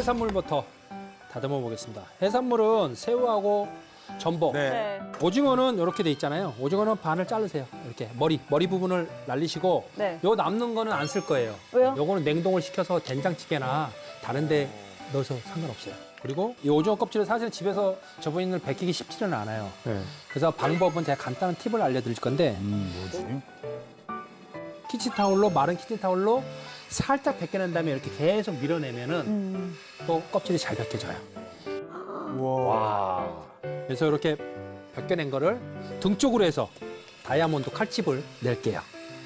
해산물부터 다듬어 보겠습니다. 해산물은 새우하고 전복. 네. 오징어는 이렇게 돼 있잖아요. 오징어는 반을 자르세요. 이렇게 머리 부분을 날리시고 네. 요 남는 거는 안 쓸 거예요. 왜요? 요거는 냉동을 시켜서 된장찌개나 다른 데 넣어서 상관없어요. 그리고 이 오징어 껍질을 사실 집에서 저분을 벗기기 쉽지는 않아요. 네. 그래서 방법은 제가 간단한 팁을 알려드릴 건데 뭐지? 키친타올로 마른 키친타올로 살짝 벗겨낸 다음에 이렇게 계속 밀어내면은 또 껍질이 잘 벗겨져요. 와. 그래서 이렇게 벗겨낸 거를 등 쪽으로 해서 다이아몬드 칼집을 낼게요.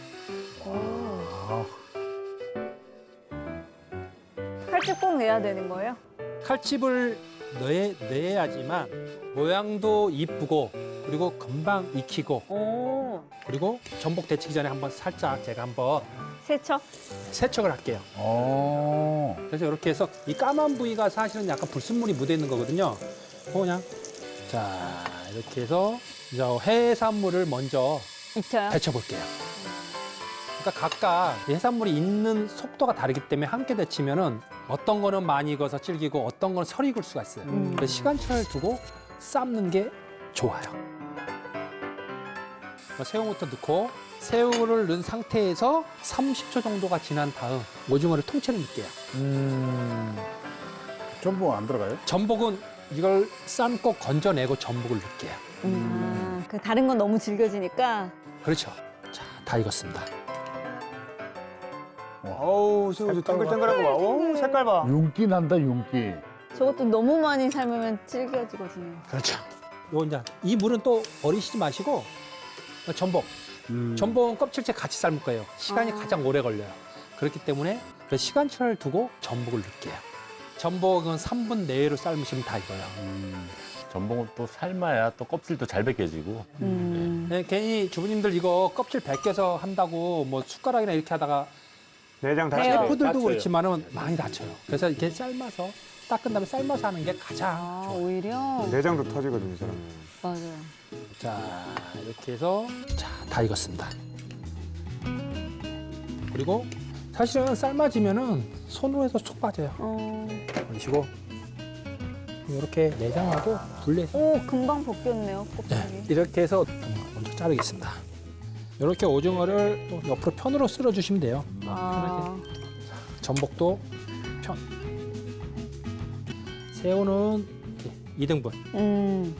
칼집 꼭 내야 되는 거예요? 칼집을 내야지만 모양도 이쁘고 그리고 금방 익히고 오. 그리고 전복 데치기 전에 한번 살짝 제가 한번 세척? 세척을 할게요. 그래서 이렇게 해서 이 까만 부위가 사실은 약간 불순물이 묻어 있는 거거든요. 그냥 자 이렇게 해서 이제 해산물을 먼저 익혀요? 데쳐볼게요. 그러니까 각각 이 해산물이 익는 속도가 다르기 때문에 함께 데치면은 어떤 거는 많이 익어서 질기고 어떤 거는 설 익을 수가 있어요. 그래서 시간차를 두고 삶는 게 좋아요. 새우부터 넣고 새우를 넣은 상태에서 30초 정도가 지난 다음 오징어를 통째로 넣을게요. 전복 안 들어가요? 전복은 이걸 삶고 건져내고 전복을 넣을게요. 그 다른 건 너무 질겨지니까. 그렇죠. 자, 다 익었습니다. 어우, 새우도 땡글땡글한 거 봐. 오, 색깔 봐. 윤기 난다, 윤기. 저것도 너무 많이 삶으면 질겨지거든요. 그렇죠. 요 이제 이 물은 또 버리시지 마시고 전복. 전복은 껍질째 같이 삶을 거예요. 시간이 가장 오래 걸려요. 그렇기 때문에 그 시간차를 두고 전복을 넣을게요. 전복은 3분 내외로 삶으시면 다 익어요. 전복은 또 삶아야 또 껍질도 잘 벗겨지고. 네, 괜히 주부님들 이거 껍질 벗겨서 한다고 뭐 숟가락이나 이렇게 하다가 내장 다 네. 셰프들도 다쳐요. 그렇지만은 많이 다쳐요. 그래서 이렇게 삶아서 닦은 다음에 삶아서 하는 게 가장 아, 오히려? 내장도 터지거든요, 이 사람. 맞아요. 자 이렇게 해서 자 다 익었습니다. 그리고 사실은 삶아지면은 손으로 해서 쏙 빠져요. 그러시고 이렇게 내장하고 분리해서 오, 금방 벗겼네요, 네, 껍질이. 이렇게 해서 먼저 자르겠습니다. 이렇게 오징어를 또 옆으로 편으로 쓸어 주시면 돼요. 아, 전복도 편. 새우는 이렇게 2등분.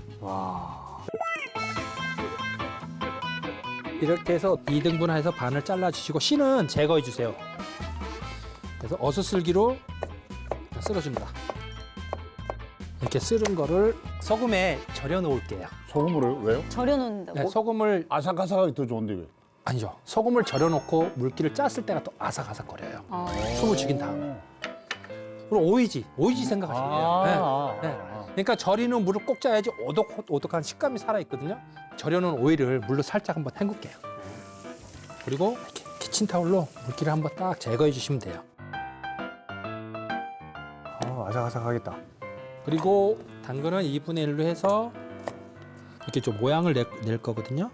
이렇게 해서 2등분 해서 반을 잘라주시고 씨는 제거해 주세요. 그래서 어슷슬기로 쓸어줍니다. 이렇게 쓸은 거를 소금에 절여 놓을게요. 소금으로 왜요? 절여놓는다고? 네, 소금을 아삭아삭하기 더 좋은데 왜? 아니죠. 소금을 절여 놓고 물기를 짰을 때가 또 아삭아삭거려요. 숨을 죽인 다음에. 그리고 오이지 생각하시면 돼요. 네. 그러니까 절이는 물을 꼭 짜야지 오독오독한 식감이 살아있거든요. 절여놓은 오이를 물로 살짝 한번 헹굴게요. 그리고 이렇게 키친타올로 물기를 한번 딱 제거해 주시면 돼요. 아삭아삭하겠다. 그리고 당근은 2분의 1로 해서 이렇게 좀 모양을 낼 거거든요.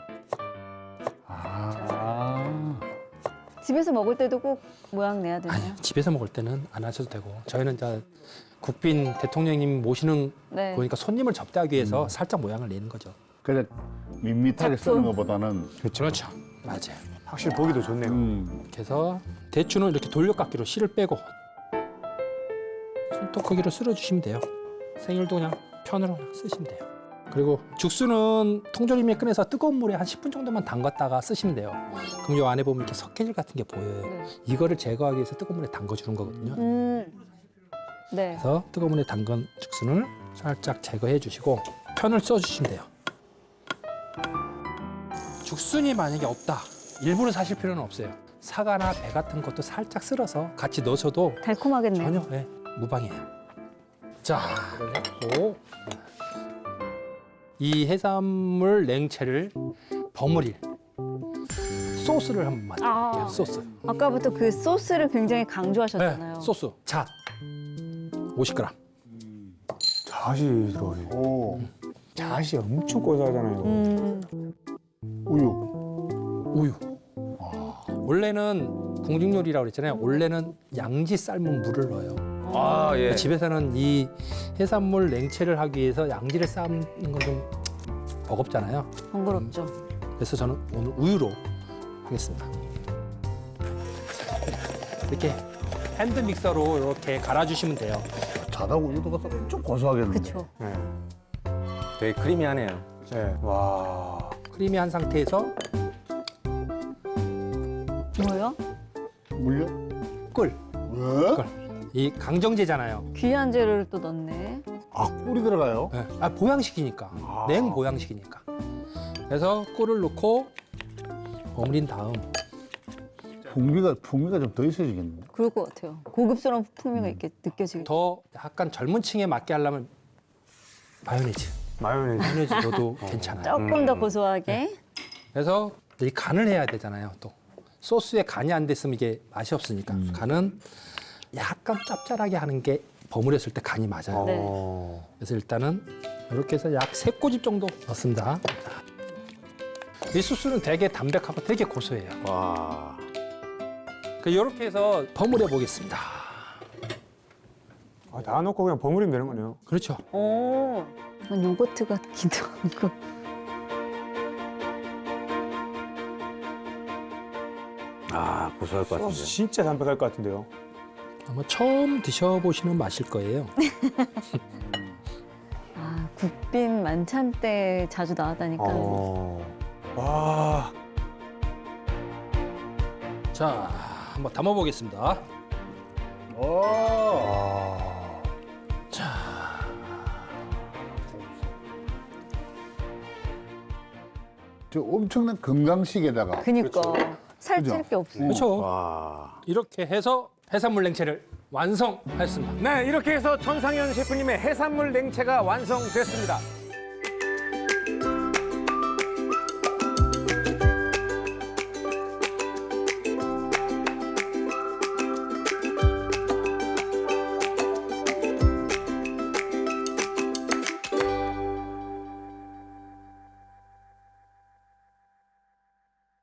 집에서 먹을 때도 꼭 모양 내야 되나요? 아니, 집에서 먹을 때는 안 하셔도 되고 저희는 이제 국빈 대통령님 모시는 네. 거니까 손님을 접대하기 위해서 살짝 모양을 내는 거죠. 그래 밋밋하게 작품. 쓰는 것보다는 그렇죠. 맞아요. 확실히 보기도 좋네요. 이렇게 해서 대추는 이렇게 돌려깎기로 씨를 빼고 손톱 크기로 쓸어주시면 돼요. 생일도 그냥 편으로 그냥 쓰시면 돼요. 그리고 죽수는 통조림에 꺼내서 뜨거운 물에 한 10분 정도만 담갔다가 쓰시면 돼요. 그럼 요 안에 보면 이렇게 석회질 같은 게 보여요. 네. 이거를 제거하기 위해서 뜨거운 물에 담궈주는 거거든요. 네. 그래서 뜨거운 물에 담근 죽순을 살짝 제거해 주시고 편을 써주시면 돼요. 죽순이 만약에 없다. 일부러 사실 필요는 없어요. 사과나 배 같은 것도 살짝 쓸어서 같이 넣으셔도 달콤하겠네요. 전혀 무방해요. 자, 그리고 이 해산물 냉채를 버무릴 소스를 한번 만들게요. 소스. 아까부터 그 소스를 굉장히 강조하셨잖아요. 소스. 잣 50g. 잣이 들어가네. 오 잣이 엄청 고소하잖아요. 우유. 원래는 궁중 요리라고 그랬잖아요. 원래는 양지 삶은 물을 넣어요. 아, 예. 집에서는 이 해산물 냉채를 하기 위해서 양지를 삶는 건 좀 버겁잖아요. 번거롭죠. 그래서 저는 오늘 우유로 하겠습니다. 이렇게 핸드 믹서로 이렇게 갈아주시면 돼요. 자다 우유도 가서 엄청 고소하겠는데. 그렇죠. 네. 되게 크리미하네요. 네. 와. 크리미한 상태에서 뭐요? 물려? 꿀. 왜? 이 강정제잖아요. 귀한 재료를 또 넣네. 아, 꿀이 들어가요? 네. 아, 보양식이니까. 냉 보양식이니까. 그래서 꿀을 넣고 버무린 다음 풍미가 좀 더 있어지겠는데. 그럴 것 같아요. 고급스러운 풍미가 이렇게 느껴지게. 더 약간 젊은 층에 맞게 하려면 마요네즈. 마요네즈. 마요네즈 넣어도 괜찮아요. 조금 더 고소하게. 그래서 이 간을 해야 되잖아요. 또 소스에 간이 안 됐으면 이게 맛이 없으니까 간은 약간 짭짤하게 하는 게 버무렸을 때 간이 맞아요. 네. 그래서 일단은 이렇게 해서 약 3꼬집 정도 넣습니다. 이 소스는 되게 담백하고 되게 고소해요. 와. 이렇게 해서 버무려 보겠습니다. 아, 다 넣고 그냥 버무리면 되는 거네요. 그렇죠. 오, 요거트 같기도 하고. 아, 고소할 것 같은데. 소스 진짜 담백할 것 같은데요. 아마 처음 드셔보시는 맛일 거예요. 아, 국빈 만찬 때 자주 나왔다니까. 와. 자, 한번 담아보겠습니다. 오. 아. 저 엄청난 건강식에다가 그니까 살찔 그죠? 게 없어요. 그렇죠. 와. 이렇게 해서 해산물 냉채를 완성했습니다. 네, 이렇게 해서 천상현 셰프님의 해산물 냉채가 완성됐습니다.